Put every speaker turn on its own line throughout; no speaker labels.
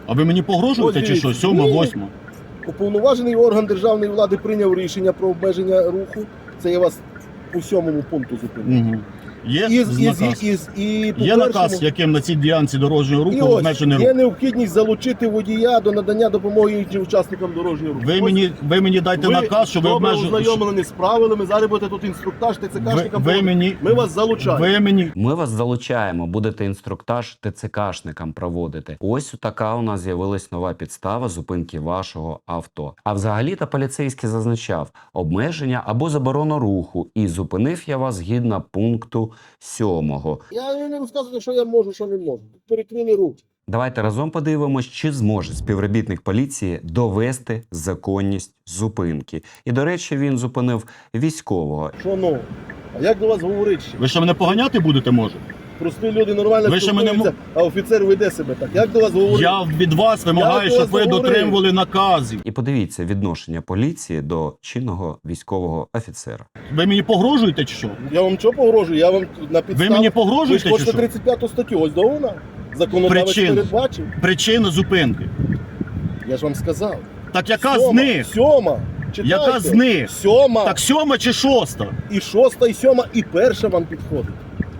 А ви мені погрожуєте чи що? 7, 8?
Уповноважений орган державної влади прийняв рішення про обмеження руху. Це я вас по 7 пункту зупинив.
Угу. Є наказ?
Є
Є наказ, яким на цій ділянці дорожнього руху обмежений рух?
Є необхідність залучити водія до надання допомоги іншим учасникам дорожнього руху.
Ви мені дайте наказ, що ви обмежуєте.
Ви ознайомлені з правилами, зараз будете тут інструктаж ТЦКшникам. Ми вас залучаємо.
Ми вас залучаємо, будете інструктаж ТЦКшникам проводити. Ось така у нас з'явилась нова підстава зупинки вашого авто. А взагалі-то поліцейський зазначав обмеження або заборону руху, і зупинив я вас згідно пункту 7.
Я не розказую, що я можу, що не можу. Перекрили руки.
Давайте разом подивимось, чи зможе співробітник поліції довести законність зупинки. І, до речі, він зупинив військового.
Що ну? А як до вас говорить ще?
Ви що, мене поганяти будете, може?
Прості люди нормально
Ви ще мене
спілкуються, а офіцер веде себе так. Як до вас говорить?
Я від вас вимагаю, щоб ви дотримували наказів.
І подивіться відношення поліції до чинного військового офіцера.
Ви мені погрожуєте чи що?
Я вам що погрожую? Я вам на підставі...
Ви мені погрожуєте
Ви ж
чи
хочете
що?
35 статтю, ось до вона. Законодавець передбачив.
Причина зупинки.
Я ж вам сказав.
Так яка
7,
з них?
7. Читайте.
Яка з них?
7.
Так 7 чи 6?
І 6, і 7, і 1 вам підходить.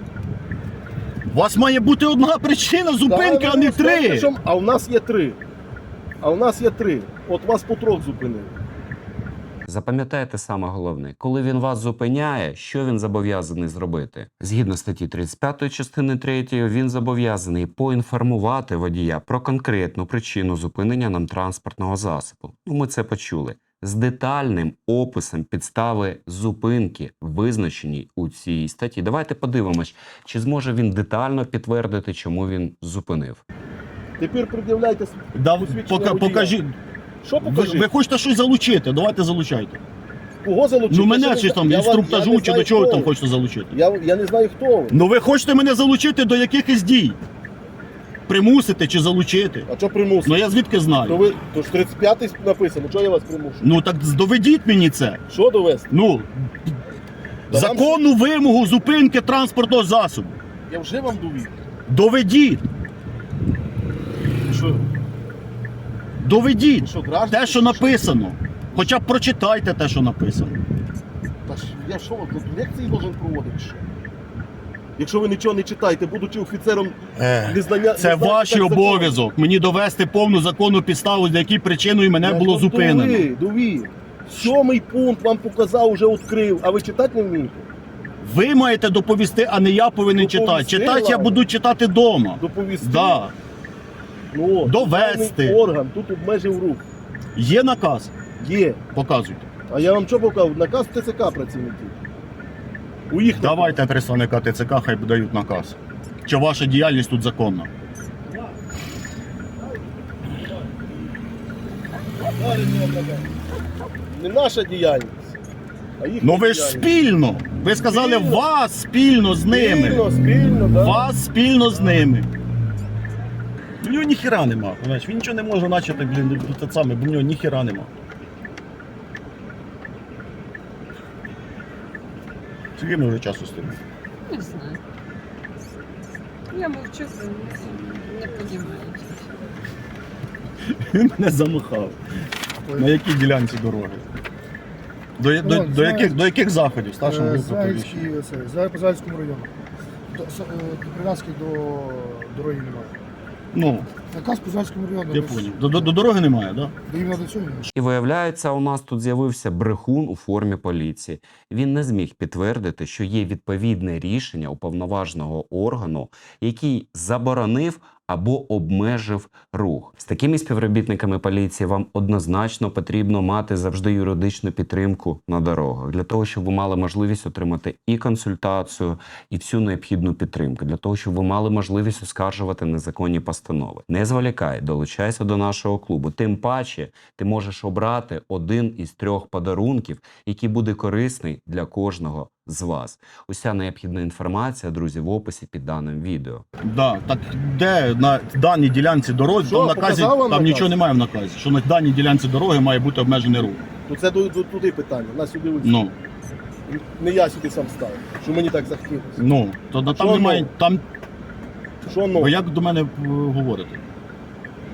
У вас має бути одна причина зупинки, а не 3.
А у нас є 3. От вас по 3 зупинили.
Запам'ятайте саме головне, коли він вас зупиняє, що він зобов'язаний зробити? Згідно статті 35 частини 3, він зобов'язаний поінформувати водія про конкретну причину зупинення нам транспортного засобу. Ми це почули. З детальним описом підстави зупинки, визначеній у цій статті. Давайте подивимось, чи зможе він детально підтвердити, чому він зупинив.
Тепер пред'являйте посвідчення водія.
Покажіть.
Що покажіть?
Ви хочете щось залучити? Давайте залучайте.
Кого залучити?
Ну мене чи там інструктажу, чи до чого ви там хочете залучити?
Я не знаю, хто ви.
Ну ви хочете мене залучити до якихось дій? Примусити чи залучити?
А що примусити?
Ну я звідки знаю?
То ж 35-й написано, що я вас примушую?
Ну так доведіть мені це.
Що довести?
Ну,
Та
законну вимогу зупинки транспортного засобу.
Я вже вам довів.
Доведіть.
Що?
Доведіть.
Що, граждан?
Те, що написано. Хоча б прочитайте те, що написано.
Та ж я що, тут лекції должен проводити? Що? Якщо ви нічого не читаєте, будучи офіцером незнання...
Це ваш обов'язок. Мені довести повну законну підставу, за якій причиною мене було зупинено.
Довів. 7 пункт вам показав, вже відкрив, а ви читати не вмієте?
Ви маєте доповісти, а не я повинен читати. Читати я буду читати вдома.
Доповісти?
Да.
Ну,
Довести.
державний орган тут обмежив рух.
Є наказ?
Є.
Показуйте.
А я вам що показав? Наказ ТЦК працівників. У їх
Давайте представника ТЦК, хай дають наказ. Чи ваша діяльність тут законна?
Не наша діяльність, а їхня
Ну ви ж спільно. Ви сказали
Спільно.
вас спільно з ними.
Спільно, да.
Вас спільно з ними. У нього ніхіра нема. Він нічого не може начати, те саме, бо в нього ніхіра нема. Скільки ми вже часу стоїмо?
Не знаю. Я мовчу, не подімаю.
Він мене замахав. На якій ділянці дороги? До яких заходів? Старшому групу повіщення.
По Зайському району. До Прив'язки до дороги немає.
Ну,
Наказ по Зайському району.
я поняв. До дороги немає, так? Да?
До іменно до цього.
І виявляється, у нас тут з'явився брехун у формі поліції. Він не зміг підтвердити, що є відповідне рішення уповноваженого органу, який заборонив або обмежив рух. З такими співробітниками поліції вам однозначно потрібно мати завжди юридичну підтримку на дорогах, для того, щоб ви мали можливість отримати і консультацію, і всю необхідну підтримку, для того, щоб ви мали можливість оскаржувати незаконні постанови. Не зволікай, долучайся до нашого клубу. Тим паче, ти можеш обрати один із 3 подарунків, який буде корисний для кожного з вас. Уся необхідна інформація, друзі, в описі під даним відео.
Да, так де на даній ділянці дороги,
Що,
там в наказі,
показав вам
там
наказ?
нічого немає в наказі, що на даній ділянці дороги має бути обмежений рух.
Ну це туди питання, нас сюди ось.
Ну,
Не я сюди сам ставив, що мені так захотілося.
ну, то там
Що
немає,
ну?
там,
Що ну?
ви як до мене говорите?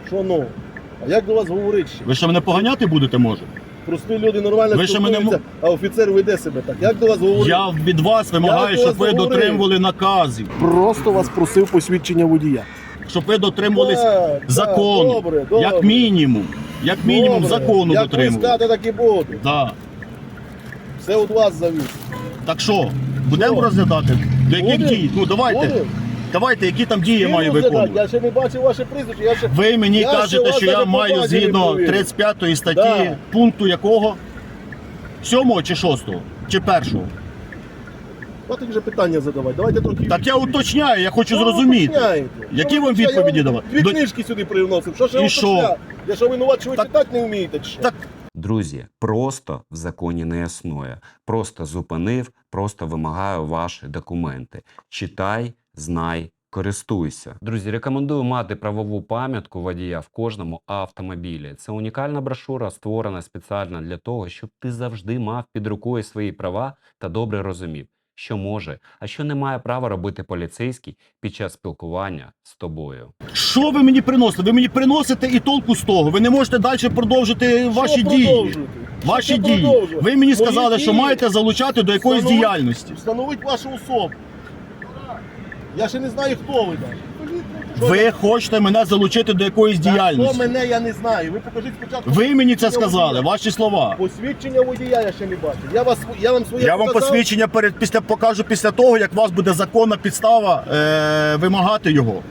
Що ну? А як до вас говорить ще?
Ви ще мене поганяти будете, може?
Прості люди нормально
Ви ще мене
спілкуються, а офіцер веде себе так. Як до вас говорить?
Я від вас вимагаю,
Я
щоб
до вас
ви
говорив.
дотримували наказів.
Просто вас просив посвідчення водія.
Щоб ви дотримувались
Так,
закону.
так, добре, добре.
Як мінімум. Як мінімум
Добре.
закону
Як ви
дотримували.
скажете, так і буде.
Да.
Все від вас завісить.
Так що, будемо
Що?
розглядати? До яких
Будем.
дій? Ну давайте.
Будем?
Давайте, які там дії я
Всі
маю
розглядати.
виконувати.
Я ще не бачив ваше прізвище. Я ще...
Ви мені
Я ще
кажете,
вас
що я
навіть
маю
по базі не
згідно
провірив.
35 статті
Да.
пункту якого? 7 чи 6? Чи 1?
Давайте вже питання задавати. Давайте трохи...
Так я уточняю, я хочу
Що ви
зрозуміти.
уточняєте?
Які
Що ви
вам
уточняєте?
відповіді
Я вам
давати?
Дві
До-
книжки сюди привносив. Що ще
І що?
уточняю? Я що винуват, що ви
Так-
читати не вмієте? Чи що?
Так
Друзі, просто в законі не існує. Просто зупинив, просто вимагаю ваші документи. Читай, знай, користуйся. Друзі, рекомендую мати правову пам'ятку водія в кожному автомобілі. Це унікальна брошура, створена спеціально для того, щоб ти завжди мав під рукою свої права та добре розумів, що може, а що не має права робити поліцейський під час спілкування з тобою.
що ви мені приносите? Ви мені приносите і толку з того. Ви не можете далі продовжити ваші
Що
дії.
продовжуєте?
Ваші
Що
дії.
продовжувати?
Ви мені
Мої
сказали, що
дії
маєте залучати до якоїсь
встановить-
діяльності.
Встановить вашу особу. Я ще не знаю, хто ви навіть.
Ви хочете мене залучити до якоїсь
Хто
діяльності.
мене, я не знаю. Ви покажіть спочатку.
Ви мені це
посвідчення
сказали,
водія.
ваші слова.
Посвідчення водія я ще не бачив. Я вам своє
Я вам
показав.
посвідчення покажу після того, як у вас буде законна підстава вимагати його.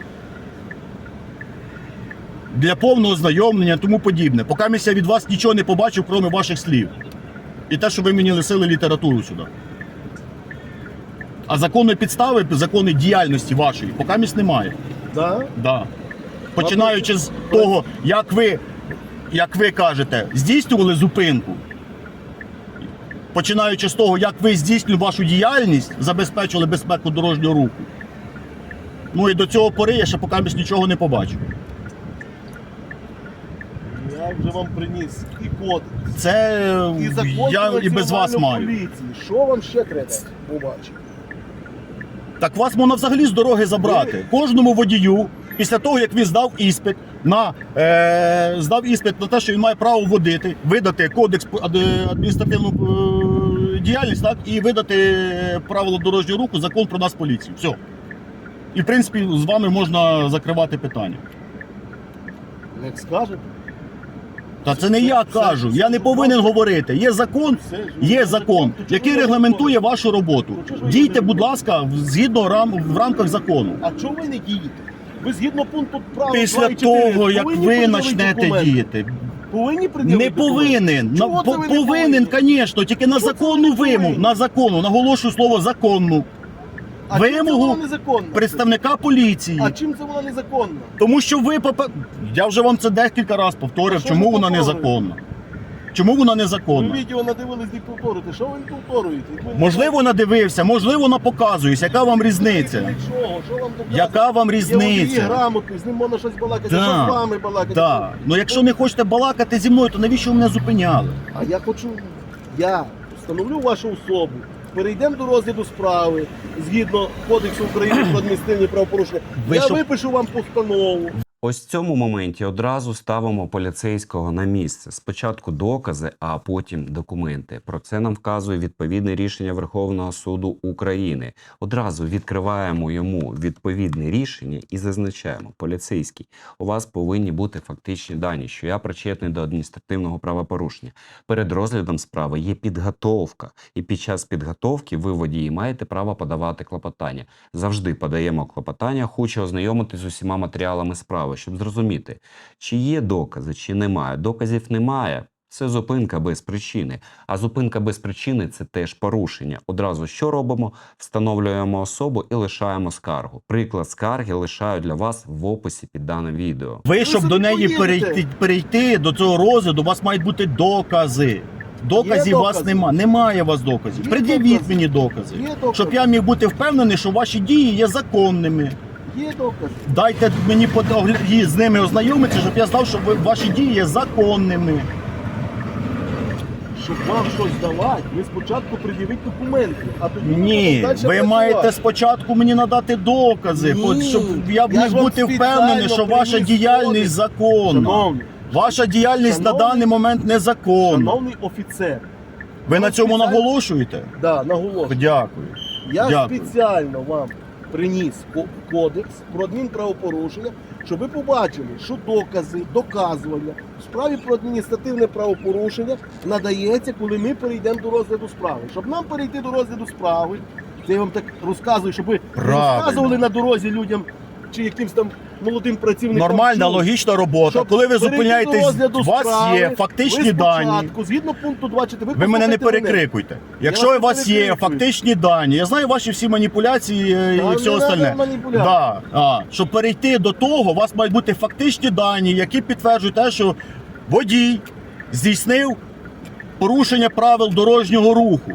Для повного знайомлення і тому подібне. Поки я від вас нічого не побачив, крім ваших слів. І те, що ви мені лисили літературу сюди. А законної підстави, законної діяльності вашої, поки немає.
Да?
Да. Починаючи з того, як ви кажете, здійснювали зупинку. Починаючи з того, як ви здійснювали вашу діяльність, забезпечили безпеку дорожнього руху. Ну і до цього пори я ще поки нічого не побачив.
Я вже вам приніс і кодекс,
Це
і закон
я
про
і без вас
національну
маю.
поліцію. Що вам ще треба побачити?
Так вас можна взагалі з дороги забрати. Кожному водію, після того, як він здав іспит на те, що він має право водити, видати кодекс адміністративну діяльність, так, і видати правила дорожнього руху, закон про нас поліцію. Все. І в принципі з вами можна закривати питання.
Як скажете?
Та це не я кажу, я не повинен говорити. Є закон,
Все ж,
є закон, який регламентує вашу роботу. Дійте, будь ласка, згідно в рамках закону.
А чого ви не дієте? Ви згідно пункту права
Після
2 і 4
того, як
повинні
ви
пред'явити
почнете
документи.
діяти,
Повинні пред'явити
не
документи?
повинен.
Чого це ви не
Повинен,
повинні?
звісно, тільки на
Чого це ви
законну
не повинні?
вимогу, на законну, наголошую слово законну,
А чим це
вимогу
вона незаконна?
представника поліції.
А чим це вона незаконна?
Тому що ви, я вже вам це декілька разів повторив,
А що
чому
ви
вона
повторюєте?
незаконна. Чому вона
Ви
незаконна?
відео надивились, не повторюєте. Що ви не повторюєте? Як ви не
Можливо, надивився, можливо, напоказуюсь. Яка вам різниця?
знаєте, для чого? Що вам доказує?
Яка вам
Є водії
різниця?
грамотний, з ним можна щось балакати.
Да.
Що з вами балакати?
Так. Ну якщо не хочете балакати зі мною, то навіщо ви мене зупиняли?
А я хочу, я встановлю вашу особу, перейдемо до розгляду справи згідно Кодексу України про адміністративні правопорушення.
Ви
Я
що-
випишу вам постанову.
Ось в цьому моменті одразу ставимо поліцейського на місце. Спочатку докази, а потім документи. Про це нам вказує відповідне рішення Верховного суду України. Одразу відкриваємо йому відповідне рішення і зазначаємо: поліцейський, у вас повинні бути фактичні дані, що я причетний до адміністративного правопорушення. Перед розглядом справи є підготовка, і під час підготовки ви, водії, маєте право подавати клопотання. Завжди подаємо клопотання, хочу ознайомитися з усіма матеріалами справи, щоб зрозуміти, чи є докази, чи немає. Доказів немає. Це зупинка без причини. А зупинка без причини – це теж порушення. Одразу що робимо? Встановлюємо особу і лишаємо скаргу. Приклад скарги лишаю для вас в описі під даним відео.
Ви, щоб
собі
до неї
поїдете.
перейти до цього розгляду, у вас мають бути докази. Доказів у вас
докази.
немає у вас доказів.
Є
Пред'явіть
докази.
мені докази.
Є докази.
Щоб я міг бути впевнений, що ваші дії є законними.
Є докази.
Дайте мені з ними ознайомитися, щоб я знав, що ваші дії є законними.
щоб вам щось давати, ви спочатку пред'явіть документи, а тоді ми
Ні,
будемо далі
ви
працювати.
маєте спочатку мені надати докази,
Ні,
щоб я
я
міг
ж вам
бути впевнений,
спеціально
що ваша
приніс
діяльність
кодекс.
законна.
Шановний,
Ваша діяльність на
Шановний-
даний момент незаконна.
шановний офіцер,
Ви на цьому
спеціально-
наголошуєте?
да, наголошую.
Дякую.
Я
Дякую.
спеціально вам приніс кодекс про адмінправопорушення, щоб ви побачили, що докази, доказування в справі про адміністративне правопорушення надається, коли ми перейдемо до розгляду справи. Щоб нам перейти до розгляду справи, це я вам так розказую, щоб ви не
Правильно.
розказували на дорозі людям чи якимсь там молодим працівникам.
Нормальна,
що
логічна робота.
щоб
Коли ви
перейти до
зупиняєтесь,
розгляду
у вас
справи,
є фактичні
ви
дані.
спочатку, згідно пункту 24,
Ви мене не
послухайте
перекрикуйте. Якщо
вас
у вас
не
є
перекрикую.
фактичні дані, я знаю ваші всі маніпуляції
Та
і все
не
остальне.
треба маніпуляцій.
Да. Щоб перейти до того, у вас мають бути фактичні дані, які підтверджують те, що водій здійснив порушення правил дорожнього руху.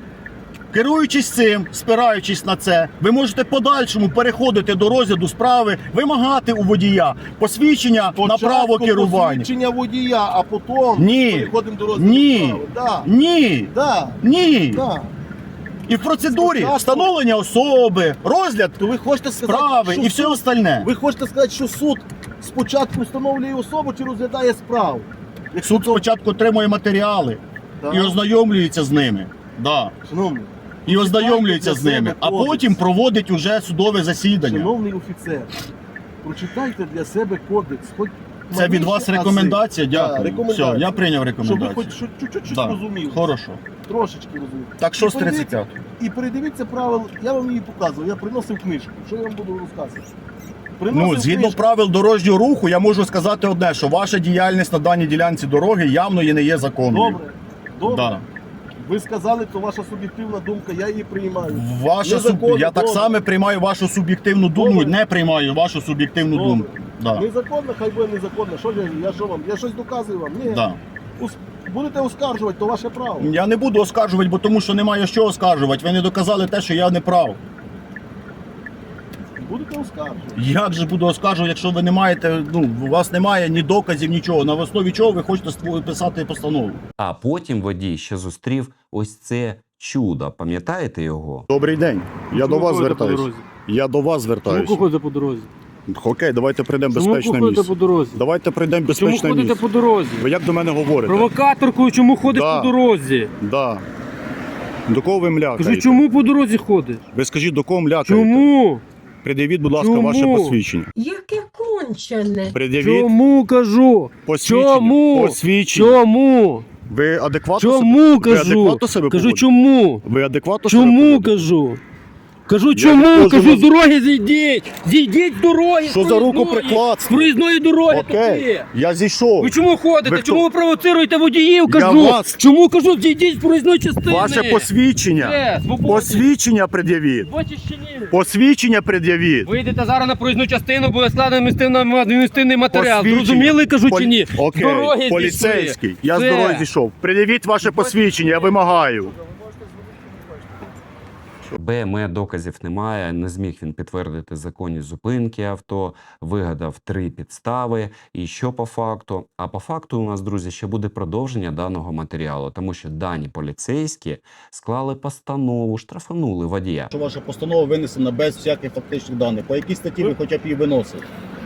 Керуючись цим, спираючись на це, ви можете в подальшому переходити до розгляду справи, вимагати у водія посвідчення на
Спочатку
право керування.
посвідчення водія, а потім
Ні.
переходимо до розгляду
Ні.
справи. Да.
Ні,
Да.
ні.
Да.
І в процедурі
Спочатку-
встановлення особи, розгляд
То ви хочете сказати,
справи
що
і все
суд,
остальне.
ви хочете сказати, що суд спочатку встановлює особу чи розглядає справу?
Суд спочатку отримує матеріали
Да.
і ознайомлюється з ними. Да.
Шановний,
І ознайомлюється з ними, а
кодекс.
потім проводить уже судове засідання.
шановний офіцер, прочитайте для себе кодекс. Хоч
Це від вас
маліші ази.
рекомендація?
Да,
Дякую.
рекомендація.
Все, я прийняв
Щоб ви
рекомендацію.
хоч чуть-чуть
Да.
розуміли.
Хорошо.
Трошечки розуміли.
Так що з
І подивіться-
35?
І передивіться правил, я вам її показував, я приносив книжку. Що я вам буду розказувати?
Ну,
Приносив
згідно
книжку.
правил дорожнього руху, я можу сказати одне, що ваша діяльність на даній ділянці дороги явно є не є законною.
Добре, добре.
Да.
Ви сказали, то ваша суб'єктивна думка, я її приймаю.
Ваша
Незаконно,
я так
добре.
само приймаю вашу суб'єктивну думку,
Добре.
не приймаю вашу суб'єктивну
Добре.
думку. Да.
Незаконно, хай буде незаконно. Що я що вам? Я щось доказую вам? Ні.
Да.
Будете оскаржувати, то ваше право.
Я не буду оскаржувати, бо тому що немає що оскаржувати. Ви не доказали те, що я не прав.
Будете оскаржувати.
Як же буду оскаржувати, якщо ви не маєте, у вас немає ні доказів, нічого. На основі чого ви хочете писати постанову?
А потім водій ще зустрів ось це чудо. Пам'ятаєте його?
Добрий день. Я до вас звертаюся. Я до вас
Чому
звертаюся.
ходите по дорозі?
Окей, давайте прийдемо в
Чому
безпечне
ходите
місце.
по дорозі?
Давайте прийдемо в
Чому
безпечне
ходите
місце.
по дорозі?
Ви як до мене говорите?
Провокаторкою чому ходиш
Да.
по дорозі?
Да. До кого ви млякаєте?
Кажу, чому по дорозі ходиш?
Ви скажіть, до кого млякаєте?
Чому?
Пред'явіть, будь ласка,
Чому?
ваше посвідчення.
Яке кончене.
Пред'явіть
Чому кажу?
посвідчення.
Чому?
Посвідчення.
Чому?
Ви адекватно
Чому
ви
кажу?
адекватно себе
Кажу,
поводите?
чому?
Ви адекватно себе
Чому
поводите?
кажу? Кажу,
не
чому?
можу
Кажу,
вас-
з дороги зійдіть! Зійдіть з дороги!
Що
з
за
проїзної!
рукоприкладство?
З проїзної дороги
Окей,
тупі!
я зійшов.
Ви чому ходите?
Ви хто?
Чому ви провоцируєте водіїв?
Я
Кажу!
вас-
Чому кажу, зійдіть з проїзної частини?
Ваше посвідчення.
Свободі.
Посвідчення пред'явіть.
Бачиш чи ні?
Посвідчення пред'явіть.
Вийдете зараз на проїзну частину, буде складено адміністративний матеріал.
Посвідчення.
Зрозуміли, кажу чи ні?
Окей,
З дороги
поліцейський.
зійшли.
Я з
Все.
дороги зійшов. Пред'явіть ваше посвідчення, я вимагаю.
БМЕ доказів немає, не зміг він підтвердити законність зупинки авто, вигадав 3 підстави. І що по факту? А по факту у нас, друзі, ще буде продовження даного матеріалу, тому що дані поліцейські склали постанову, штрафанули водія.
Що ваша постанова винесена без всяких фактичних даних. По якій статті ви хоча б її виносили?